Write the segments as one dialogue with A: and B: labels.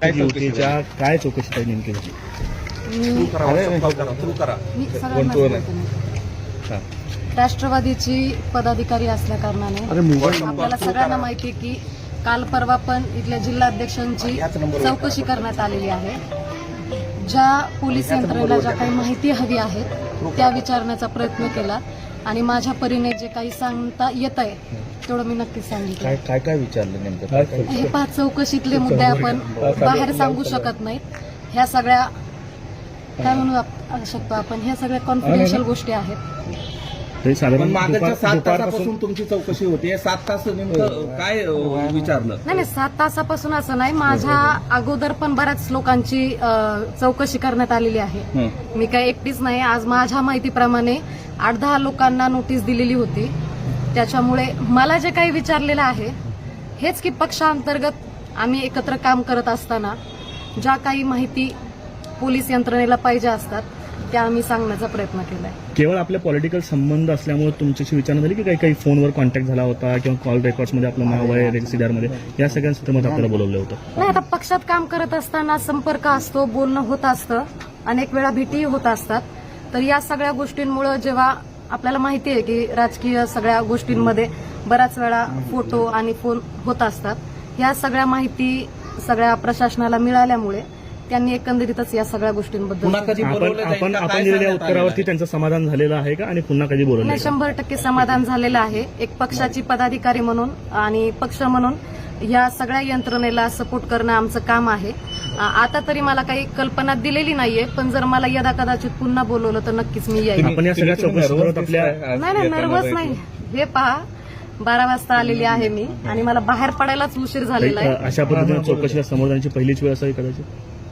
A: जी होती त्या काय चौकशी काय नेमकी होती?
B: मी सगळ्यांना बोलते.
A: हां.
B: राष्ट्रवादीची पदाधिकारी असल्या कारणाने आपल्याला सगळ्यांना माहिती आहे की काल परवा पण इथल्या जिल्हाध्यक्षांची चौकशी करण्यात आलेली आहे. ज्या पोलीस यंत्रणेला ज्या काही माहिती हवी आहे त्या विचारण्याचा प्रयत्न केला आणि माझ्या परीने जे काही सांगता येत आहे तेवढं मी नक्कीच सांगितलं.
A: काय काय विचारलं नेमकं?
B: हे 5 चौकशीतले मुद्दे आपण बाहेर सांगू शकत नाहीत. ह्या सगळ्या काय म्हणू शकतो आपण, ह्या सगळ्या कॉन्फिडेन्शियल गोष्टी आहेत.
A: तरी साधारण
C: मागच्या 7 तासापासून तुमची चौकशी होती. 7 तास नेमकं काय विचारलं?
B: नाही 7 तासापासून असं नाही, माझ्या अगोदर पण बऱ्याच लोकांची चौकशी करण्यात आलेली आहे. मी काय एकटीच नाही. आज माझ्या माहितीप्रमाणे 8-10 लोकांना नोटीस दिलेली होती. त्याच्यामुळे मला जे काही विचारलेलं आहे हेच की पक्षांतर्गत आम्ही एकत्र काम करत असताना ज्या काही माहिती पोलीस यंत्रणेला पाहिजे असतात त्या आम्ही सांगण्याचा प्रयत्न केलाय.
A: केवळ आपले पॉलिटिकल संबंध असल्यामुळे तुमच्याशी विचारणा झाली की काही फोनवर कॉन्टॅक्ट झाला होता किंवा कॉल रेकॉर्ड्समध्ये आपलं नाव आहे रेसिडरमध्ये, या सगळ्या संदर्भात आपल्याला बोलवलं होतं?
B: नाही, आता पक्षात काम करत असताना संपर्क असतो, बोलणं होत असतं, अनेक वेळा भेटीही होत असतात. तर या सगळ्या गोष्टींमुळे जेव्हा आपल्याला माहिती आहे की राजकीय सगळ्या गोष्टींमध्ये बऱ्याच वेळा फोटो आणि फोन होत असतात, ह्या सगळ्या माहिती सगळ्या प्रशासनाला मिळाल्यामुळे त्यांनी एकंदरीतच या सगळ्या गोष्टींबद्दल
A: आपण दिलेल्या उत्तरावरती त्यांचं समाधान झालेलं आहे का आणि पुन्हा कधी बोलवलं?
B: 100% समाधान झालेलं आहे. एक पक्षाची पदाधिकारी म्हणून आणि पक्ष म्हणून या सगळ्या यंत्रणेला सपोर्ट करणं आमचं काम आहे. आता तरी मला काही कल्पना दिलेली नाहीये, पण जर मला यदा कदाचित पुन्हा बोलवलं तर नक्कीच मी येईल.
A: आपण या सगळ्या चौकशीसोबत आपल्या
B: नाही नर्वस नाही. हे पहा 12 वाजता आलेली आहे मी आणि मला बाहेर पडायलाच उशीर झालेला आहे.
A: अशा पद्धतीने चौकशीला समोर जाण्याची पहिलीच वेळ असावी कदाचित?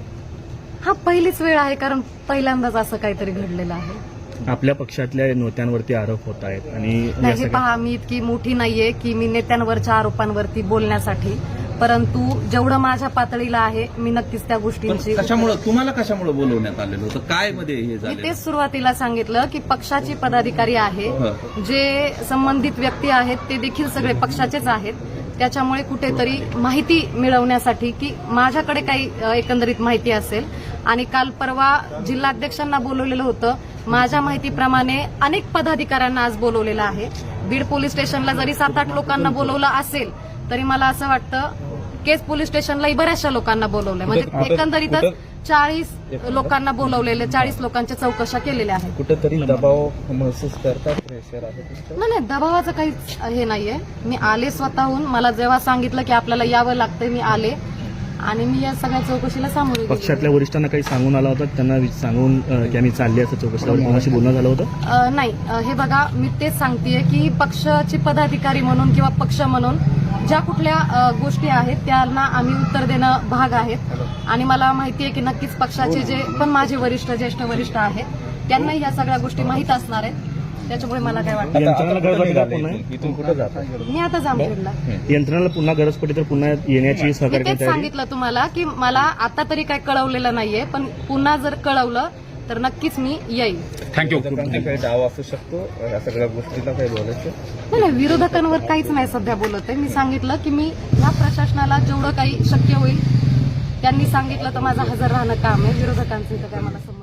B: हा पहिलीच वेळ आहे, कारण पहिल्यांदाच असं काहीतरी घडलेलं आहे.
A: आपल्या पक्षातल्या नेत्यांवरती आरोप होत आहेत आणि
B: नाही, हे पहा मी इतकी मोठी नाहीये की मी नेत्यांवरच्या आरोपांवरती बोलण्यासाठी, परंतु जेवढं माझ्या पातळीला आहे मी नक्कीच त्या गोष्टींची
C: तुम्हाला कशामुळे बोलवण्यात आलेलं होतं? काय मध्ये हे
B: मी
C: झालं?
B: तेच सुरुवातीला सांगितलं की पक्षाची पदाधिकारी आहे, जे संबंधित व्यक्ती आहेत ते देखील सगळे पक्षाचेच आहेत. त्याच्यामुळे कुठेतरी माहिती मिळवण्यासाठी की माझ्याकडे काही एकंदरीत माहिती असेल, आणि काल परवा जिल्हाध्यक्षांना बोलवलेलं होतं. माझ्या माहितीप्रमाणे अनेक पदाधिकाऱ्यांना आज बोलवलेलं आहे. बीड पोलीस स्टेशनला जरी 7-8 लोकांना बोलवलं असेल तरी मला असं वाटतं केस पोलीस स्टेशनलाही बऱ्याचशा लोकांना बोलवलंय. म्हणजे एकंदरीतच 40 लोकांना बोलवलेले, 40 लोकांच्या चौकशा केलेल्या आहेत.
C: कुठेतरी दबाव महसूस करतात, प्रेशर आहे?
B: नाही दबावाचं काहीच हे नाहीये. मी आले स्वतःहून. मला जेव्हा सांगितलं की आपल्याला यावं लागतंय मी आले आणि मी या सगळ्या चौकशीला सामोरे गेले.
A: पक्षातल्या वरिष्ठांना काही सांगून आला होता, त्यांना सांगून की आम्ही चालले असं चौकशीला कोणाशी बोलणं झालं होतं?
B: नाही, हे बघा मी तेच सांगतेय की पक्षाची पदाधिकारी म्हणून किंवा पक्ष म्हणून ज्या कुठल्या गोष्टी आहेत त्यांना आम्ही उत्तर देणं भाग आहेत. आणि मला माहिती आहे की नक्कीच पक्षाचे जे पण माझे वरिष्ठ ज्येष्ठ वरिष्ठ आहेत त्यांनाही या सगळ्या गोष्टी माहीत असणार आहेत. त्याच्यामुळे मला काय वाटतं
C: इथून कुठे जात?
B: मी आता जामखेडला.
A: यंत्रणाला पुन्हा गरज पडली तर पुन्हा येण्याची सहकार्य
B: तेच सांगितलं तुम्हाला की मला आता तरी काय कळवलेलं नाहीये, पण पुन्हा जर कळवलं तर नक्कीच मी येईल.
A: थँक्यू.
C: काही डाव असू शकतो या सगळ्या गोष्टीला काही बोलायचं?
B: नाही विरोधकांवर काहीच नाही सध्या बोलत आहे. मी सांगितलं की मी या प्रशासनाला जेवढं काही शक्य होईल त्यांनी सांगितलं तर माझं हजर राहणं काम आहे. विरोधकांचं इथं काय मला